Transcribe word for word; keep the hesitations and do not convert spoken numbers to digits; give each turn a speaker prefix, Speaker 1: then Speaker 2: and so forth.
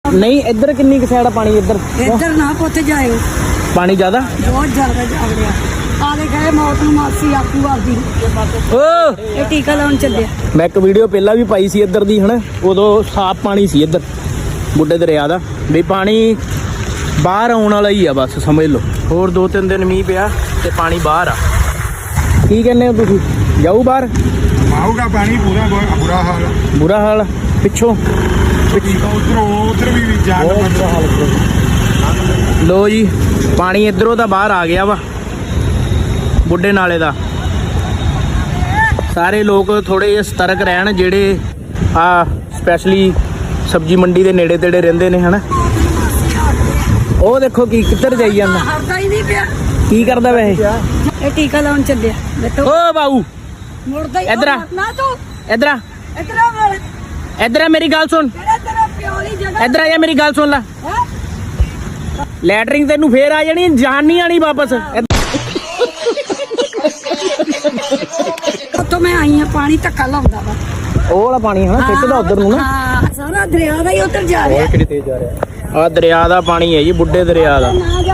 Speaker 1: ਨਹੀਂ ਇੱਧਰ ਕਿੰਨੀ ਕੁ ਸਾਈਡ ਆ ਪਾਣੀ? ਇੱਧਰ
Speaker 2: ਇੱਧਰ ਨਾ ਪੁੱਤ ਜਾਇਓ,
Speaker 1: ਪਾਣੀ ਜ਼ਿਆਦਾ
Speaker 2: ਬਹੁਤ ਜ਼ਿਆਦਾ ਜਾ ਰਿਹਾ। ਆਲੇ ਗਏ ਮੌਤ ਨੂੰ ਮਾਸੀ ਆਕੂ ਆਦੀ
Speaker 1: ਓ
Speaker 2: ਇਹ ਟੀਕਾ ਲਾਉਣ ਚੱਲਿਆ।
Speaker 1: ਮੈਂ ਇੱਕ ਵੀਡੀਓ ਪਹਿਲਾਂ ਵੀ ਪਾਈ ਸੀ ਇੱਧਰ ਦੀ ਹਨਾ, ਉਦੋਂ ਸਾਫ਼ ਪਾਣੀ ਸੀ ਇੱਧਰ ਬੁੱਢੇ ਦਰਿਆ ਦਾ, ਵੀ ਪਾਣੀ ਬਾਹਰ ਆਉਣ ਵਾਲਾ ਹੀ ਆ ਬਸ ਸਮਝ ਲਓ। ਹੋਰ ਦੋ ਤਿੰਨ ਦਿਨ ਮੀਂਹ ਪਿਆ ਤੇ ਪਾਣੀ ਬਾਹਰ ਆ। ਕੀ ਕਹਿੰਦੇ ਹੋ ਤੁਸੀਂ, ਜਾਊ ਬਾਹਰ?
Speaker 3: ਆਊਗਾ ਪਾਣੀ ਪੂਰਾ ਬੁਰਾ ਹਾਲ
Speaker 1: ਬੁਰਾ ਹਾਲ ਪਿੱਛੋਂ
Speaker 3: ਉਧਰੋਂ ਉਧਰ ਵੀ ਜਾਣ
Speaker 1: ਲੋ ਜੀ, ਪਾਣੀ ਇੱਧਰੋਂ ਤਾਂ ਬਾਹਰ ਆ ਗਿਆ ਵਾ ਬੁੱਢੇ ਨਾਲੇ ਦਾ। ਸਾਰੇ ਲੋਕ ਥੋੜੇ ਜਿਹੇ ਸਤਰਕ ਰਹਿਣ ਜਿਹੜੇ ਆ ਸਪੈਸ਼ਲੀ ਸਬਜ਼ੀ ਮੰਡੀ ਦੇ ਨੇੜੇ ਤੇੜੇ ਰਹਿੰਦੇ ਨੇ ਹਨਾ। ਉਹ ਦੇਖੋ ਕੀ ਕਿੱਧਰ ਜਾਈ ਜਾਂਦਾ,
Speaker 2: ਹਰਦਾ ਹੀ ਨਹੀਂ ਪਿਆ।
Speaker 1: ਕੀ ਕਰਦਾ ਵੈਸੇ?
Speaker 2: ਇਹ ਟੀਕਾ ਲਾਉਣ ਚੱਲਿਆ। ਬੇਟੋ
Speaker 1: ਓ ਬਾਊ
Speaker 2: ਮੁੜਦਾ ਹੀ
Speaker 1: ਇੱਧਰ ਆ।
Speaker 2: ਨਾ ਤੂੰ
Speaker 1: ਇੱਧਰ ਆ,
Speaker 2: ਇੱਧਰ ਆ ਵਾਲ
Speaker 1: ਇੱਧਰ ਆ, ਮੇਰੀ ਗੱਲ ਸੁਣ,
Speaker 2: ਕਿਹੜਾ ਤੇਰਾ ਪਿਓ ਵਾਲੀ ਜਗ੍ਹਾ
Speaker 1: ਇੱਧਰ ਆ ਜਾ, ਮੇਰੀ ਗੱਲ ਸੁਣ ਲੈ।
Speaker 2: ਹੈ।
Speaker 1: ਲੈਟਰਿੰਗ ਤੈਨੂੰ ਫੇਰ ਆ ਜਾਣੀ, ਜਾਨ ਨਹੀਂ ਆਣੀ ਵਾਪਸ।
Speaker 2: ਉੱਥੋਂ ਮੈਂ ਆਈ ਆ, ਪਾਣੀ ਧੱਕਾ ਲਾਉਂਦਾ ਵਾ।
Speaker 1: ਉਹ ਵਾਲਾ ਪਾਣੀ ਹਨਾ ਖਿੱਚਦਾ ਉਧਰ ਨੂੰ ਨਾ।
Speaker 2: ਹਾਂ ਸਾਰਾ ਦਰਿਆ ਦਾ ਹੀ ਉੱਧਰ ਜਾ ਰਿਹਾ।
Speaker 1: ਕਿਹੜੀ ਤੇਜ਼ ਜਾ ਰਿਹਾ। ਆ ਦਰਿਆ ਦਾ ਪਾਣੀ ਹੈ ਜੀ, ਬੁੱਢੇ ਦਰਿਆ ਦਾ।
Speaker 2: ਨਾ